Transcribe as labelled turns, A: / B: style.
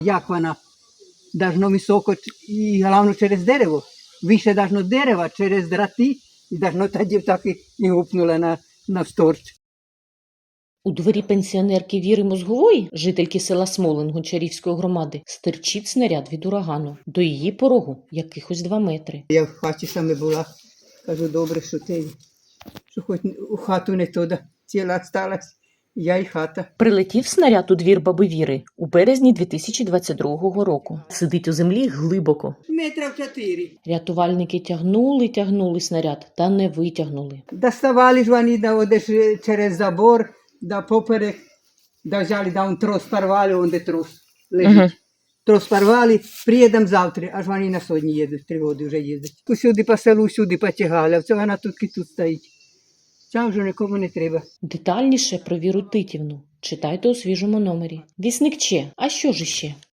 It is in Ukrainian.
A: Як вона? Должно високо і головне через дерево. Вище должно дерева, через драти, і должно тоді так і гупнуло навсторч.
B: У дворі пенсіонерки Віри Мозгової, жительки села Смолин Гончарівської громади, стирчить снаряд від урагану. До її порогу якихось 2 метри.
A: Я в хаті саме була. Кажу, добре, що хоч у хату не туди. Ціла сталась, я і хата.
B: Прилетів снаряд у двір баби Віри у березні 2022 року. Сидить у землі глибоко.
A: 4 метри.
B: Рятувальники тягнули снаряд та не витягнули.
A: Доставали ж вони десь через забор, да поперек, да взяли, да он трос порвали, он де трос лежить. Трос порвали, приїдемо завтра, аж вони на сьогодні їдуть, 3 роки вже їздять. Усюди по селу, всюди потягали, а це вона тут стоїть. Ця вже нікому не треба.
B: Детальніше про Віру Титівну читайте у свіжому номері. Вісник Че. А що ж іще?